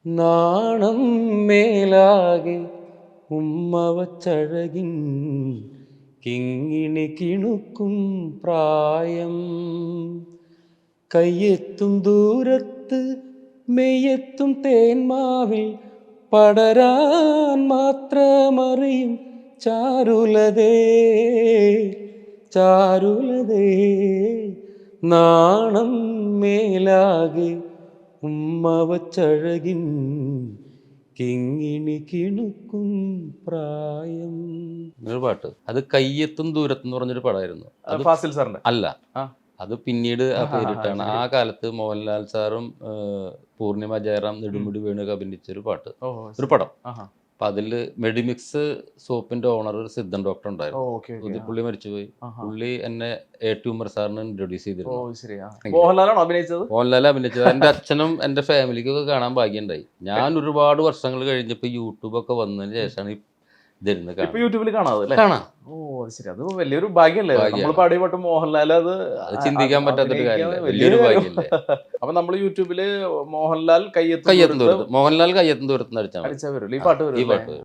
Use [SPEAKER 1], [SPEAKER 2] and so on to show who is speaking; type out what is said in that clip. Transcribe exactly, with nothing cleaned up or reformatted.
[SPEAKER 1] നാണം മേലാകെ ഉമ്മ വച്ചഴകിൻ കിങ്ങിണി കിണുക്കും പ്രായം. കയ്യെത്തും ദൂരത്ത് മെയ്യെത്തും തേന്മാവിൽ പടരാൻ മാത്രമറിയും ചാരുലതേ ചാരുലതേ. നാണം മേലാകെ ഉമ്മ വച്ചഴകിൻ കിങ്ങിണി കിണുക്കും പ്രായം. ഒരു പാട്ട്, അത് കയ്യെത്തും ദൂരത്ത് എന്ന് പറഞ്ഞൊരു പടമായിരുന്നു. അത്
[SPEAKER 2] ഫാസിൽ സാറിന്റെ
[SPEAKER 1] അല്ല, അത് പിന്നീട് ആ പേരിട്ടാണ്. ആ കാലത്ത് മോഹൻലാൽ സാറും പൂർണിമ ജയറാം നെടുമുടി വേണുക അഭിനയിച്ചൊരു പാട്ട്, ഒരു പടം. അപ്പൊ അതില് മെഡിമിക്സ് സോപ്പിന്റെ ഓണർ സിദ്ധൻ ഡോക്ടർ ഉണ്ടായിരുന്നു. പുള്ളി മരിച്ചുപോയി. പുള്ളി എന്നെ എ ടി ഉമർ സാറിന് ഇൻട്രൊഡ്യൂസ് ചെയ്തിരുന്നു.
[SPEAKER 2] മോഹൻലാലാണ് അഭിനയിച്ചത്.
[SPEAKER 1] മോഹൻലാൽ അഭിനയിച്ചത്. എന്റെ അച്ഛനും എന്റെ ഫാമിലിക്കൊക്കെ കാണാൻ ഭാഗ്യമുണ്ടായി. ഞാൻ ഒരുപാട് വർഷങ്ങൾ കഴിഞ്ഞപ്പോ യൂട്യൂബ് ഒക്കെ വന്നതിന് ശേഷമാണ്
[SPEAKER 2] യൂട്യൂബിൽ കാണാതെ
[SPEAKER 1] കാണാം.
[SPEAKER 2] ഓ ശരി, അത് വലിയൊരു ഭാഗ്യല്ലേ. നമ്മൾ പാടിയ പാട്ട് മോഹൻലാൽ, അത്
[SPEAKER 1] ചിന്തിക്കാൻ പറ്റാത്തൊരു കാര്യമല്ലേ, വലിയൊരു ഭാഗ്യല്ലേ.
[SPEAKER 2] അപ്പൊ നമ്മൾ യൂട്യൂബില് മോഹൻലാൽ കയ്യെത്തും
[SPEAKER 1] കയ്യെത്തും ദൂരത്ത് മോഹൻലാൽ കയ്യെത്തും ദൂരത്ത് അടിച്ചാൽ
[SPEAKER 2] വരും ഈ പാട്ട് വരും.
[SPEAKER 1] ഈ പാട്ട്